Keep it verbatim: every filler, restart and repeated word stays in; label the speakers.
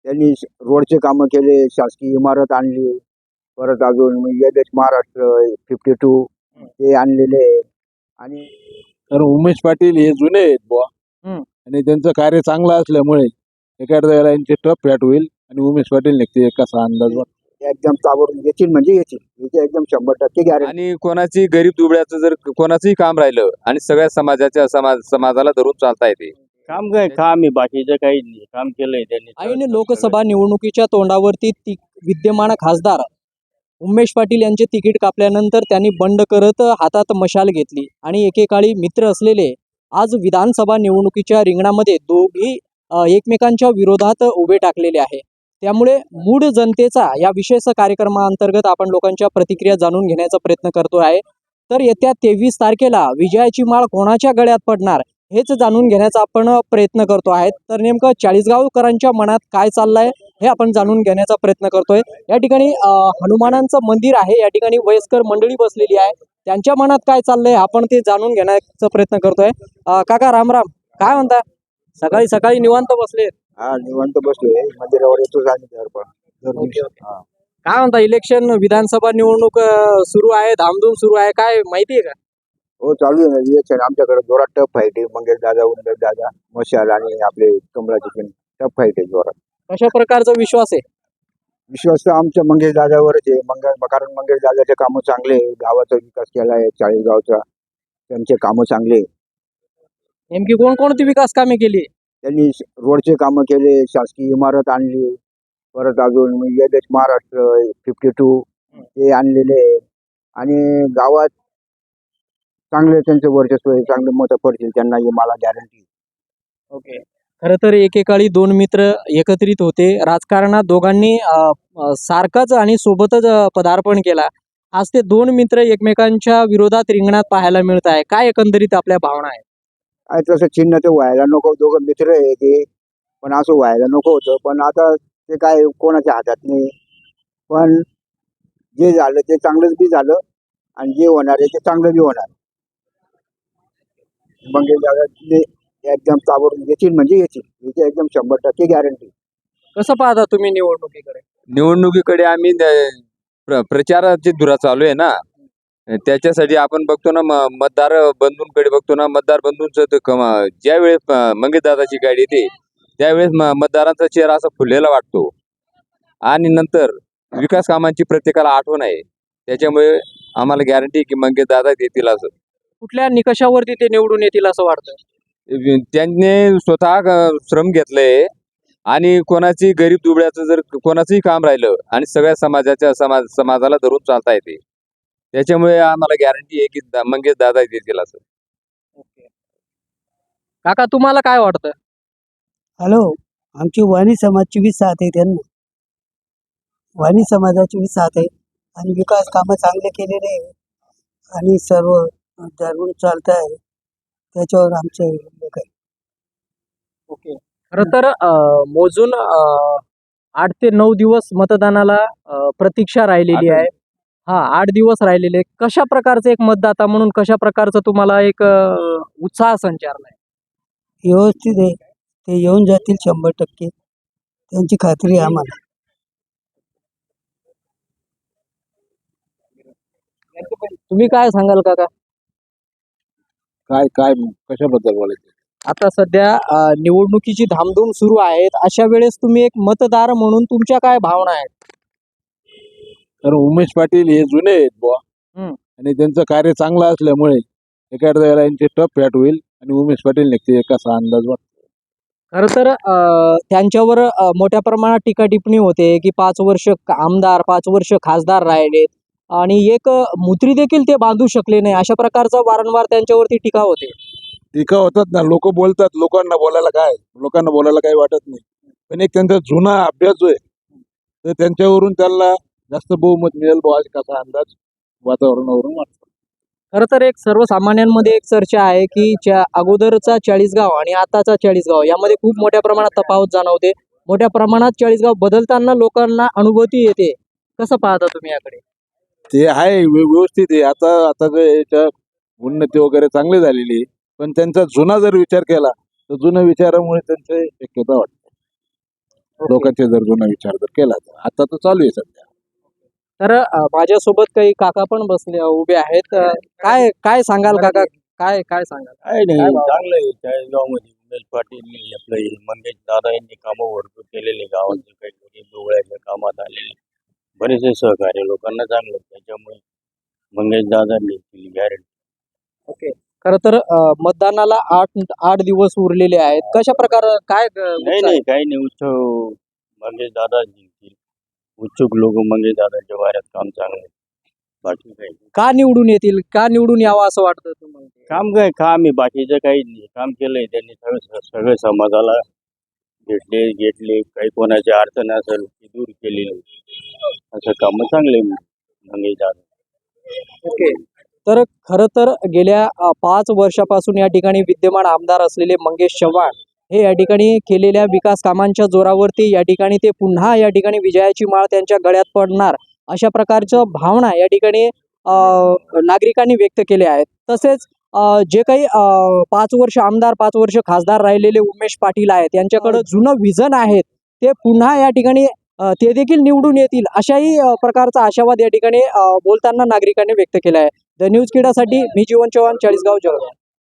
Speaker 1: त्यांनी श- रोडचे कामं केले, शासकीय इमारत आणली, परत अजून एच महाराष्ट्र फिफ्टी टू ते आणलेले आहे. आणि
Speaker 2: कारण उमेश पाटील हे जुने आहेत बुवा
Speaker 3: हम्म.
Speaker 2: आणि त्यांचं कार्य चांगलं असल्यामुळे एखाद्या वेळेला यांची टफ फॅट होईल आणि उमेश पाटील निघते एक कसा अंदाज वाटतो.
Speaker 1: एकदम ताबडतोब येतील म्हणजे येतील, याची एकदम शंभर टक्के गॅरंटी.
Speaker 4: आणि कोणाची गरीब दुबळ्याचं जर कोणाचंही काम राहिलं आणि सगळ्या समाजाच्या समाज समाजाला धरून चालता येते.
Speaker 5: काम काय काम आहे, बाकीचं काही नाही. काम केलंय त्यांनी.
Speaker 3: ऐन लोकसभा निवडणुकीच्या तोंडावरती ति विद्यमान खासदार उमेश पाटील यांचे तिकीट कापल्यानंतर त्यांनी बंड करत हातात मशाल घेतली आणि एकेकाळी मित्र असलेले आज विधानसभा निवडणुकीच्या रिंगणामध्ये दोघी अ, एकमेकांच्या विरोधात उभे टाकलेले आहे. त्यामुळे मूळ जनतेचा या विशेष कार्यक्रमाअंतर्गत आपण लोकांच्या प्रतिक्रिया जाणून घेण्याचा प्रयत्न करतो आहे. तर येत्या तेवीस तारखेला विजयाची माळ कोणाच्या गळ्यात पडणार हेच जाणून घेण्याचा आपण प्रयत्न करतो आहे. तर नेमकं चाळीसगावकरांच्या मनात काय चाललंय हे आपण जाणून घेण्याचा प्रयत्न करतोय. या ठिकाणी अ, हनुमानांचं मंदिर आहे, या ठिकाणी वयस्कर मंडळी बसलेली आहे, त्यांच्या मनात काय चाललंय आपण ते जाणून घेण्याचा प्रयत्न करतोय. अ, काका रामराम, काय म्हणता? सकाळी सकाळी निवांत बसले,
Speaker 1: हा निवांत बसलोय मंदिरावर येतो आणि दर
Speaker 3: ओके, ओके. काय म्हणता? इलेक्शन विधानसभा निवडणूक अ, सुरू आहे, धामधूम सुरू आहे, काय माहिती आहे का?
Speaker 1: हो चालू आहे ना इलेक्शन. आमच्याकडे जोरात टफ फाईट आहे. मंगेश दादा, उंदर दादा, मशाल आणि आपले कमळाचे पण टफ फाईट आहे जोरात.
Speaker 3: कशा प्रकारचा विश्वास आहे?
Speaker 1: विश्वास तर आमच्या मंगेश दादावरच आहे. मंगळ कारण मंगेश दादाचे कामं चांगले आहे, गावाचा विकास केला आहे चाळीसगावचा, त्यांचे कामं चांगले आहे.
Speaker 3: नेमकी कोणकोणती विकास कामे केली?
Speaker 1: त्यांनी श- रोडचे कामं केले, शासकीय इमारत आणली, परत अजून एच महाराष्ट्र फिफ्टी टू ते आणलेले आहे. आणि गावात चांगले त्यांचे वर्चस्व आहे, चांगले मतं पडतील त्यांना, हे मला गॅरंटी.
Speaker 3: ओके. खरं तर एकेकाळी दोन मित्र एकत्रित होते राजकारणात, दोघांनी अ, अ, सारखाच आणि सोबतच अ, पदार्पण केला. आज ते दोन मित्र एकमेकांच्या विरोधात रिंगणात पाहायला मिळत आहे. काय एकंदरीत आपल्या भावना आहेत?
Speaker 1: आहे तसं चिन्ह ते व्हायला नको, दोघं मित्र आहे ते, पण असं व्हायला नको होतं. पण आता ते काय कोणाच्या हातात नाही. पण जे झालं ते चांगलंच बी झालं आणि जे होणार आहे ते चांगलं बी होणार. मंगेश दादा ते एकदम ताबडतोब येतील म्हणजे येतील, याची एकदम शंभर टक्के गॅरंटी.
Speaker 3: कसं पाहता तुम्ही निवडणुकीकडे?
Speaker 4: निवडणुकीकडे आम्ही द- प्र- प्रचाराची धुरा चालू आहे ना, त्याच्यासाठी आपण बघतो ना, म- मतदार बंधूंकडे बघतो ना, मतदार बंधूंचं ज्या वेळेस मंगेश दादाची गाडी येते त्यावेळेस म- मतदारांचा चेहरा असा फुललेला वाटतो. आणि नंतर विकास कामांची प्रत्येकाला आठवण आहे, त्याच्यामुळे आम्हाला गॅरंटी की मंगेश दादा देतील असं.
Speaker 3: कुठल्या निकषावरती ते निवडून येतील असं वाटतं?
Speaker 4: त्यांनी स्वतः ग- श्रम घेतलंय आणि कोणाची गरीब दुबळ्याचं जर कोणाचंही काम राहिलं आणि सगळ्या समाजाच्या समाज समाजाला धरून चालता येते, त्याच्यामुळे आम्हाला गॅरंटी आहे की दा- मंगेश दादा देतील असं.
Speaker 3: काका तुम्हाला काय वाटतं?
Speaker 6: हॅलो, आमची वाणी समाजची बी साथ आहे त्यांना. वाणी समाजाची बी साथ आहे आणि विकास कामं चांगले केलेले आहे आणि सर्व धरून चालत आहे, त्याच्यावर आमचे लोक आहे.
Speaker 3: ओके. खरं तर अ, मोजून अ, आठ ते नऊ दिवस मतदानाला अ, प्रतीक्षा राहिलेली आहे. हा, आठ दिवस राहिलेले. कशा प्रकारचं एक मतदाता म्हणून कशा प्रकारचं तुम्हाला एक अ, उत्साह संचारलाय?
Speaker 6: व्यवस्थित आहे, ते येऊन जातील शंभर टक्के, त्यांची खात्री आहे आम्हाला.
Speaker 3: तुम्ही काय सांगाल काका?
Speaker 2: काय काय कशाबद्दल बोलायचं?
Speaker 3: आता सध्या अ, निवडणुकीची धामधूम सुरू आहेत, अशा वेळेस तुम्ही एक मतदार म्हणून तुमच्या काय भावना आहेत?
Speaker 2: कारण उमेश पाटील हे जुने आहेत बुवा
Speaker 3: हम्म.
Speaker 2: आणि त्यांचं कार्य चांगलं असल्यामुळे एखाद्या वेळेला यांची टफ फॅट होईल आणि उमेश पाटील निघते एक कसा अंदाज वाटतो.
Speaker 3: खरं तर अ, त्यांच्यावर अ, मोठ्या प्रमाणात टीका टिप्पणी होते की पाच वर्ष क- आमदार, पाच वर्ष खासदार राहिलेत आणि एक अ, मुत्री देखील ते बांधू शकले नाही, अशा प्रकारचा वारंवार त्यांच्यावरती टीका होते.
Speaker 2: टीका होतात ना, लोक बोलतात, लोकांना बोलायला काय लोकांना बोलायला काही वाटत नाही. पण एक त्यांचा जुना अभ्यास जो आहे तर त्यांच्यावरून त्यांना जास्त बहुमत मिळेल बुवा असा कसा अंदाज वातावरणावरून वाटतो.
Speaker 3: खरं तर एक सर्वसामान्यांमध्ये एक चर्चा आहे की च्या अगोदरचा चाळीसगाव आणि आताचा चाळीसगाव यामध्ये खूप मोठ्या प्रमाणात तफावत जाणवते. मोठ्या प्रमाणात चाळीसगाव बदलताना लोकांना अनुभूती येते. कसं पाहता तुम्ही याकडे?
Speaker 2: ते आहे व्य- व्यवस्थित आहे. आता आता जे याच्या उन्नती वगैरे चांगली झालेली आहे, पण त्यांचा जुना जर विचार केला तर जुन्या विचारामुळे त्यांचे शक्यता वाटते. लोकांचे जर जुना विचार जर केला तर. आता तर चालू आहे सध्या.
Speaker 3: तर अ, माझ्यासोबत काही काका पण बसले उभे आहेत. अ, काय काय सांगाल काका? काय काय सांगाल?
Speaker 5: काय नाही
Speaker 3: काय भाव?
Speaker 5: चांगलं आहे चाळीसगावमध्ये उमेश पाटील आपलं हे मंगेश दादा यांनी कामं भरपूर केलेले गावाचे काही डोळ्याच्या कामात आलेले बरेचसे सहकार्य लोकांना चांगलं आहे. त्याच्यामुळे मंगेश दादांनी केली गॅरंटी.
Speaker 3: ओके. खरं तर अ, मतदानाला आठ आठ दिवस उरलेले आहेत. कशा प्रकारे काय अ,
Speaker 5: नाही
Speaker 3: उत्साह
Speaker 5: नाही
Speaker 3: आहे?
Speaker 5: काही नाही उत्सव मंगेश दादा जिंकतील. उत्सुक लोक मंगेश दादाच्या वाऱ्यात काम चांगलं आहे. बाकी काही नाही.
Speaker 3: का निवडून येतील? का निवडून यावं असं वाटतं तुम्हाला?
Speaker 5: काम काय काम आहे बाकीचं काही नाही. काम केलंय त्यांनी सगळं सगळं समाजाला भेटले घेतले काही कोणाची अडचण असेल ती दूर केलेली असं काम चांगले मंगेश दादा.
Speaker 3: ओके. तर खरं तर गेल्या अ, पाच वर्षापासून या ठिकाणी विद्यमान आमदार असलेले मंगेश चव्हाण हे या ठिकाणी केलेल्या विकास कामांच्या जोरावरती या ठिकाणी ते पुन्हा या ठिकाणी विजयाची माळ त्यांच्या गळ्यात पडणार अशा प्रकारच्या भावना या ठिकाणी अ, नागरिकांनी व्यक्त केल्या आहेत. तसेच अ, जे काही अ, पाच वर्ष आमदार पाच वर्ष खासदार राहिलेले उमेश पाटील आहेत यांच्याकडे जुनं विजन आहेत ते पुन्हा या ठिकाणी अ, ते देखील निवडून येतील अशाही अ, प्रकारचा आशावाद या ठिकाणी अ, बोलताना नागरिकांनी व्यक्त केला आहे. द न्यूज किडासाठी मी जीवन चव्हाण, चाळीसगाव, जळगाव.